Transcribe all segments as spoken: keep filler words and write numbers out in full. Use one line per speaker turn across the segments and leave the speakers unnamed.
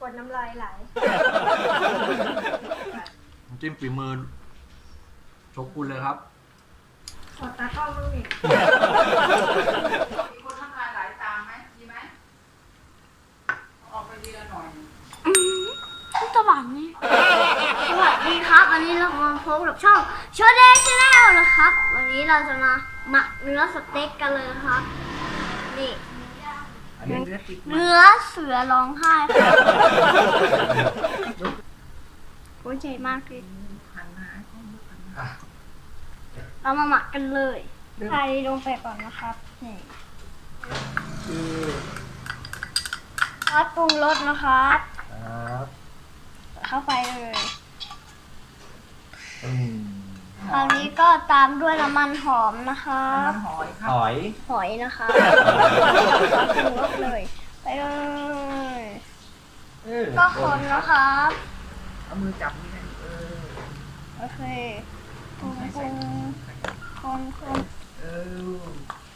กดน้ำลายไหล
น้ำจิ้มฝีมือโชกุนเลยครับ
ขอตากล้องบ้างดิ
มีคนน้ำลายไหลตามไหมดีไหมออกไปดีละหน่อย
สวัสดีสวัสดีครับวันนี้เรามาพบกับช่องโชเดย์ชาแนลนะครับวันนี้เราจะมาหมักเนื้อสเต็กกันเลยครับนี่เนื้อเสือร้องไห้ครับโอ้ยใจมากเลยเรามาหมักกันเลยใส่ลงไปก่อนนะครับนี่ซอสปรุงรสนะครับเข้าไปเลยคราวนี้ก็ตามด้วยน้ำมันหอมนะครับ
หอยครับ
หอย
หอยนะคะซอสปรุงรสเลยไปเลยก็คนนะครับ
เอามือจับนี่นะเออ
โอเคคนคนคนคน
เออ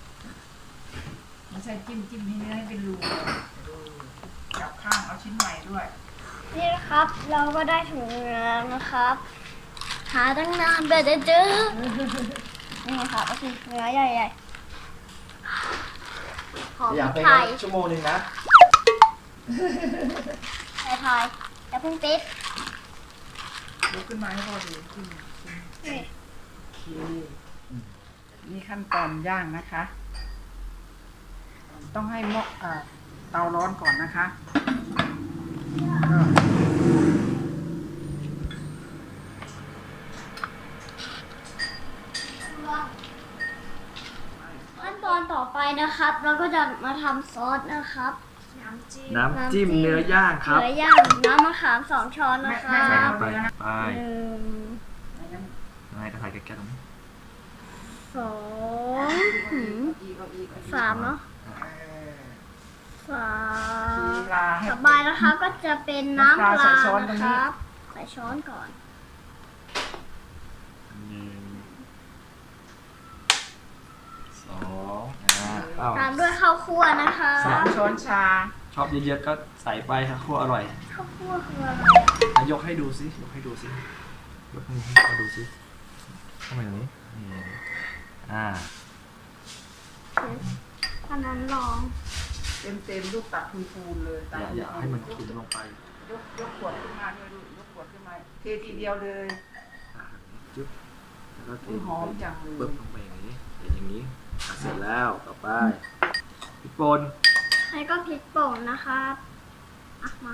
ไม่ใช่จิ้มจิ้มให้เนื้อให้เป็นรูจับข้างเอาชิ้นใหม่ด้วย
นี่นะครับเราก็ได้ถุงเนื้อนะครับหาตั้งนานแบบจะเจอนี่ค่ะก็คือเนื้อใหญ่ๆหอมไทย
ชั่วโมงนึงนะ
ไทยไทยจะพุ่งติด
ลุกขึ้นมาให้พอดีขึ้น
นี่
โอเคนี่ขั้นตอนย่างนะคะต้องให้หม้อเตาร้อนก่อนนะคะ
ขั้นตอนต่อไปนะครับเราก็จะมาทำซอสนะครับ
น้ำจิ้มน้ำจิ้มเนื้อย่างครับ
เนื้อย่างน้ำมะขามสองช้อนนะครับ
ไปไป
หนึ่ง
อะไรกระถายแก้วตรงนี้
สองสามเนาะสามต่อไปนะคะก็จะเป็นน้ำปลานะครับใส่ช้อนก่อน
หนึ่งสอง
ตามด้วยข้าวคั่วนะคะ
สามช้อนชา
ชอบเยอะๆก็ใส่ไปครับคั่วอร่อย
ข้าวคั่วคืออะไร
อ่ะยกให้ดูสิยกให้ดูสิยกให้เขาดูสิทำไมอย่างนี้นี่อ่า
อันนั้นลอง
เต็มเต็มลูกตักพูนๆเลย
อย่าอย่าให้มันขุ่นลงไป
ยกยกขวดขึ้นมาด้วยลูกยกขวดขึ้นมาเททีเดียวเลย
จุ๊บแล้วก็เท
หอมจังเลย
ปึ๊บลงไปอย่างนี้อย่างนี้เสร็จแล้วต่อไปพริกป่น
แล้วก็พริกป่นนะครับอ่ะมา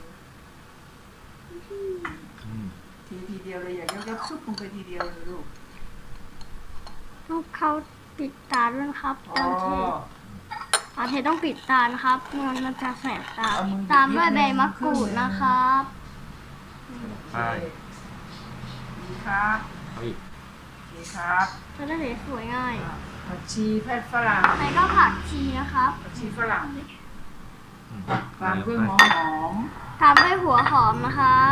ทีทีเดียวเลยอย่ายกยกซุปลงไปทีเดียวเลยลูก
ต้องเข้าปิดตาด้วยครับตอนเทตอนเทต้องปิดตานะครับมันมันจะแสบตาตามด้วยใบมะกรูดนะครับ
ไป
ดีครับดีครับ
จะได้สวยง่าย
ผักชีแพทฝรั่ง
แล้วก็ผักชีนะครับ
ผักชีฝรั่งตามด้วยหอมหอม
ตามด้วยหัวหอมนะครับ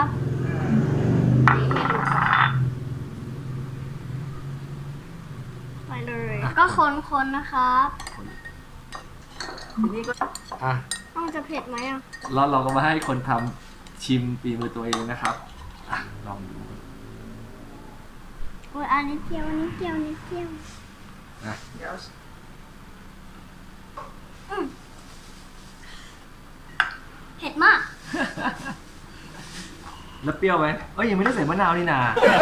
ไปเลยก็คนๆนะครับ
ทีนี้ก็
อ่ะ
ต้องจะเผ็ดไหมอ่ะ
แล้วเราก็มาให้คนทำชิมฝีมือตัวเองนะครับอ่ะลองดู
โอ้ยอันนี้เจียวอันนี้เจียวอันนี้เจียว
นะ
เดี๋ยว
เผ็ดมาก
แล้วเปรี้ยวไหมเอ้ยยังไม่ได้ใส่มะนาวนี่นา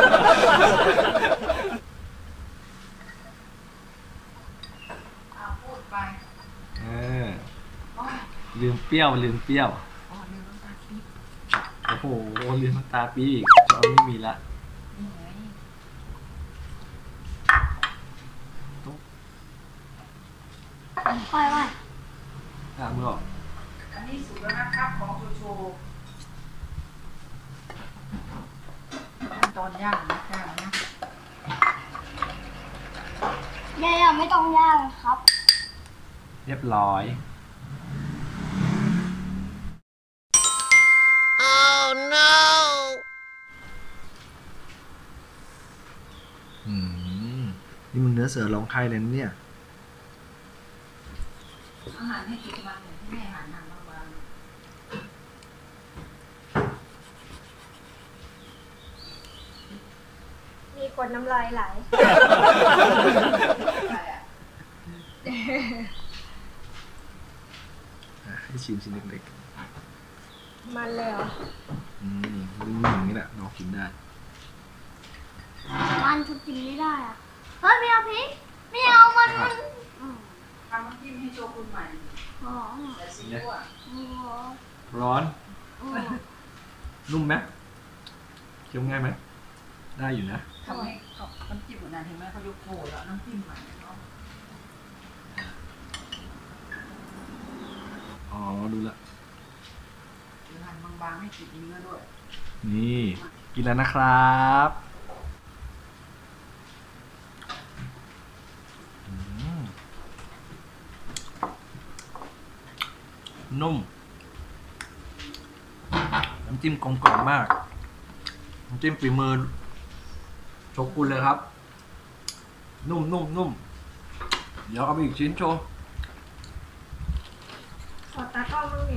พูดไป
เออลืมเปรี้ยวลืมเปรี้ยวโอ้โหลืมน้ำตาปีอีกเราไม่มีละ
ไปไป
อ่ะมือออก
อันนี้สุกแล้วนะครับของโชโชขั้นตอนย่างนะย่างนะ
ย่างไม่ต้องย่างครับ
เรียบร้อย
Oh no
อืมนี่มันเนื้อเสือร้องไห้เลยเนี่ย
อาหารให้กินวันเนี่ยที่แม่อาหารนำมาบาง
กดน้ำลายไหล
อะไรอ่ะ
อ่ะให้ชิมชิ้นเล็ก
มันเลยเหรอ
ๆอืมนึ่งๆอย่างนี้แหละน้องกินได้
มันจะกินไม่ได้อะเฮ้ยไม่เอาพริกไม่เอามันมันอืม
ทำน้ำจิ้มให้โชกุนใหม่
อ๋อ
แต่ซีอิ๊วอ่ะ
อ๋อ
ร้อน
อ๋อ
นุ่มไหมเคี้ยวง่ายไหมได้อยู่นะ
ทำให้เขาน้ำจิ้มหัวหน้าเห็นไหมเขายกโถแล้วน้ำจิ้มใหม่เนาะ
อ๋อดูละ
หรือหั่นบางๆให้ติดเนื้อด้วย
นี่กินแล้วนะครับอืมนุ่มน้ำจิ้มกลมกล่อมมากน้ำจิ้มฝีมือโชกุนเลยครับ นุ่มนุ่มนุ่มเดี๋ยวเอาไปอีกชิ้นโชว์
ขอตากล้องบ้างดิ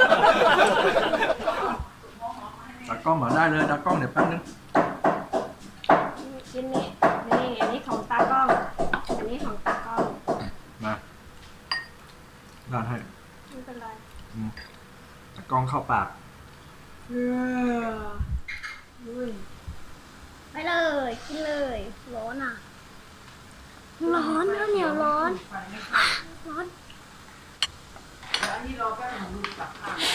ตากล้องมาได้เลยตากล้องเดี๋ยวแป๊บนึง
ชิ้นนี้นี่อันนี้ของตากล้อง อันนี้ของตากล้อง
มาด้านให้
ไม่เป็นไร
อืมตากล้องเข้าปาก
เอออุ้ย
ไปเลยกินเลยร้อนอ่ะ ร้อนข้าวเหนียวร้อน
ไฟไม่เข้า
ร้อน
แล้วอันนี้รอแป๊บนึงดูกลับข้าง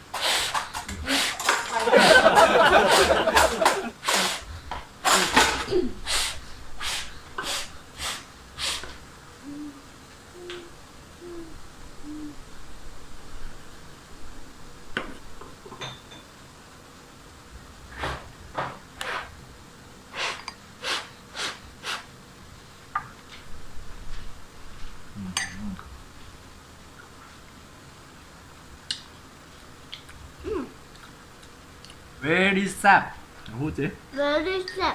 เวรีแซ่บพูดสิ
very sad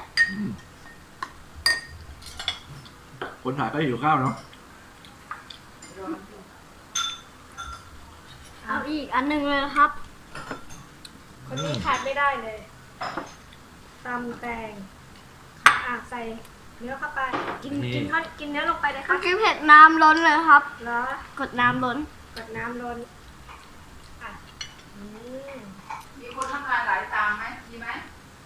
คนถ่ายก็หิวข้าวเนาะ
เอาอีกอันหนึ่งเลยนะครับ
คนนี้ขาดไม่ได้เลยตำแตงอ่ะใส่เนื้อเข้าไป กินกินทอดกินเนื้อลงไปเลยค
เมื่
รั
อบ กี้เผ็ดน้ำล้นเลยครับ
แล้ว
กดน้ำล้น
กดน้ำล้นอ่ะอืม
มีคนทำงานหลายตามไหมมีไหม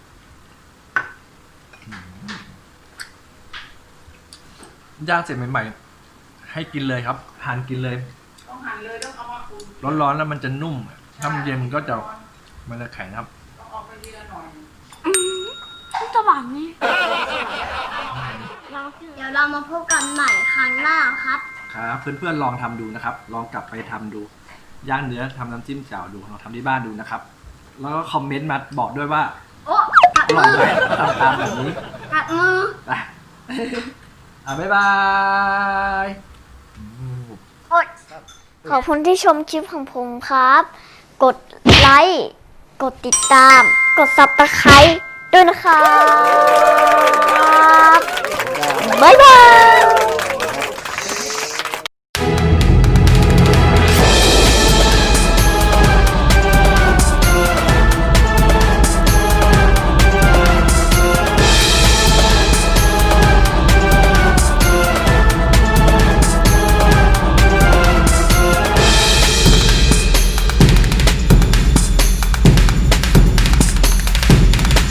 ย่างเสร็จใหม่ๆให้กินเลยครับทานกินเลย
ต้องหั่นเลยต้องเอามาอุ่น
ร้อนๆแล้วมันจะนุ่มถ้ามันเย็นมันก็จะมันจะแข็งครับ
ต้องออกไปทีละหน่อย
อืมสว่างนี่เดี๋ยวเรามาพบกันใหม่ครั้งหน้าครับ
ครับเพื่อนๆลองทำดูนะครับ ลองกลับไปทำดูย่างเนื้อทำน้ำจิ้มแจ่วดูลองทำที่บ้านดูนะครับ แล้วก็คอมเมนต์มาบอกด้วยว่า
โอ้กัด
อร่อ
มื
ย
อ
ไหมทำตามแบบนี้
กัดมือ
ไปอ่ะบ๊ายบายอืม
โอ๊ยขอบคุณที่ชมคลิปของผมครับ กดไลค์ กดติดตาม กดซับสไครต์ด้วยนะครับ บ๊ายบาย